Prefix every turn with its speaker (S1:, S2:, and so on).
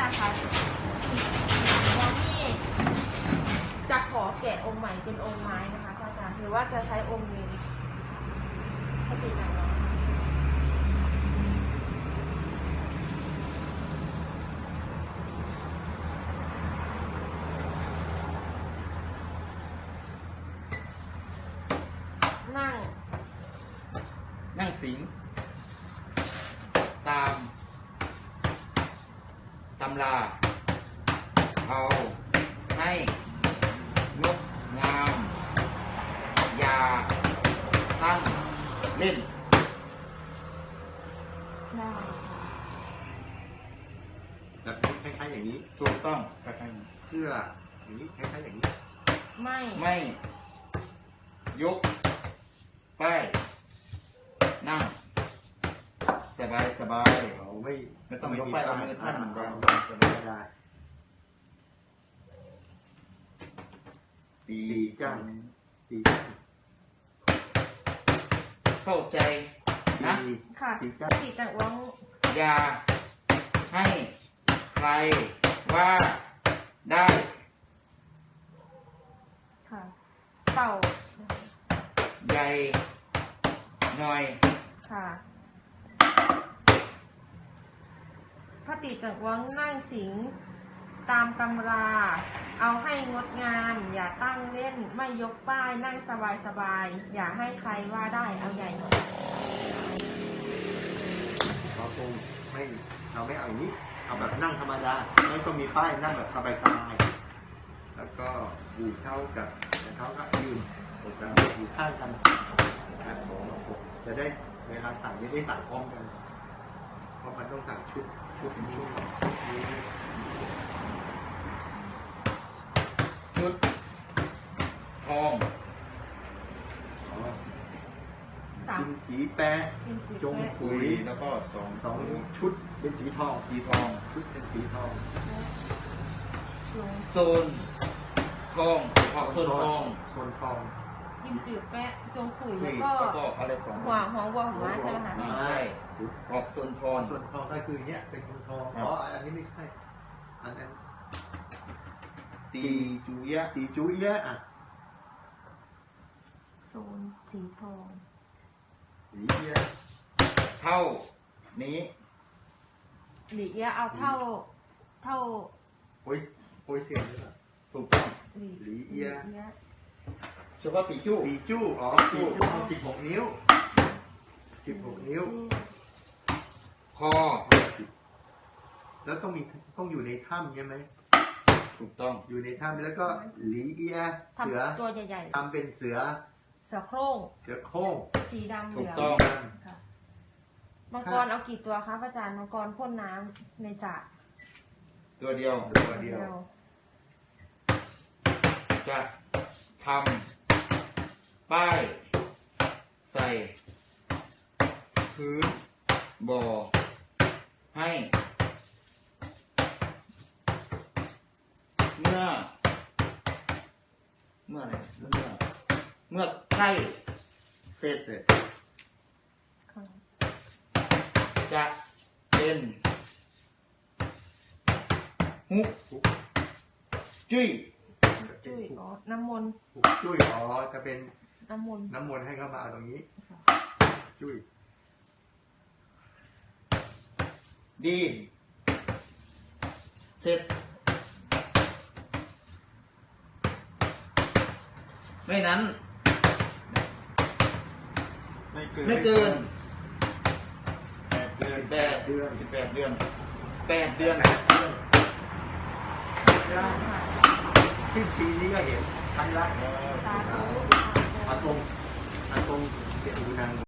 S1: คะแล้วนี่จะขอแกะองค์ใหม่เป็นองค์ไม้นะคะพระอาจารย์หรือว่าจะใช้องค์นี้ให้ติดหนังเนาะ
S2: นั่งสิงตามตำราเอาให้งดงามอย่าตั้งเล่น
S1: ได้
S3: แบบคล้ายๆอย่างนี้
S2: ถูกต้องคล้าย
S3: เสื้ออย่างนี้คล้ายๆอย่างนี้
S1: ไม่
S2: ยกป้ายนั่งสบาย
S3: เรา
S2: ไม่ต้องยกป้ายเอามือท่านเหมือนกัน
S3: ได้
S2: ตี
S3: จ้างตี
S2: เข้าใจนะ
S1: ค่ะติดแต่ว่า
S2: อย่าให้ใครว่าได้
S1: ค่ะเป่า
S2: ใหญ่หน่อย
S1: ค่ะพระติจักวังนั่งสิงตามตำราเอาให้งดงามอย่าตั้งเล่นไม่ยกป้ายนั่งสบายอย่าให้ใครว่าได้เอาใหญ่หน่อย
S3: เราคงเราไม่เอาอย่างนี้เอาแบบนั่งธรรมดาไม่ต้องมีป้ายนั่งแบบสบายๆแล้วก็อยู่เท่ากับเขาก็ยืนอกกันอยู่ข้างกันจะได้เวลาสั่งไม่ได้สั่งพร้อมกันเพราะมันต้องสั่งชุด
S2: ทอง
S3: กินสีแปะจงขุย
S2: แล้วก็สอง
S3: ชุดเป็นสีทองชุดเป็นสีทอง
S2: โซนทองโซนทอง
S1: กินจืดแปะจงขุยแล้วก็
S2: อะไรสอง
S1: หัววัวหัวม้าใช่ไหมคะ
S2: ใช่ออกโซนทอง
S3: ก็คือเนี้ยเป็นทองอันนี้ไม่ใช่อันนั้น
S2: ตีจุยะ
S3: อ่ะ
S1: โซนสีทอง
S3: หลีเอีย
S2: เท่านี้
S1: หลีเอียเอาเท่า
S3: โอ้ยเสียงเลย
S2: ถูกต้อง
S3: หลีเอีย
S2: เฉพาะตีจู้
S3: ตีจู้16 นิ้ว
S2: คอ
S3: แล้วต้องอยู่ในถ้ำใช่ไหม
S2: ถูกต้อง
S3: อยู่ในถ้ำแล้วก็หลีเอียเสือ
S1: ตัวใหญ่
S3: ๆทำเป็นเสือ
S1: โคร่งสีดำเหลือง
S2: ถูกต้อง
S1: มังกรเอากี่ตัวคะอาจารย์มังกรพ่นน้ำในสระ
S2: ตัวเดียวจะทำป้ายใส่พื้นบ่อให้เมื่อใกล้เสร็จจะเป็นฮุกจุ้ย
S1: น้ำมนต์
S3: จุ้ยจะเป็น
S1: น้ำม
S3: นต์ให้เข้ามาตรงนี้จุ้ย
S2: ดีเสร็จไม่นั้นไม่เกิน18 เดือน
S3: สิ้นปีนี้ก็เห็นครั้งละ
S1: สาธุ
S3: อากงเจตุนัง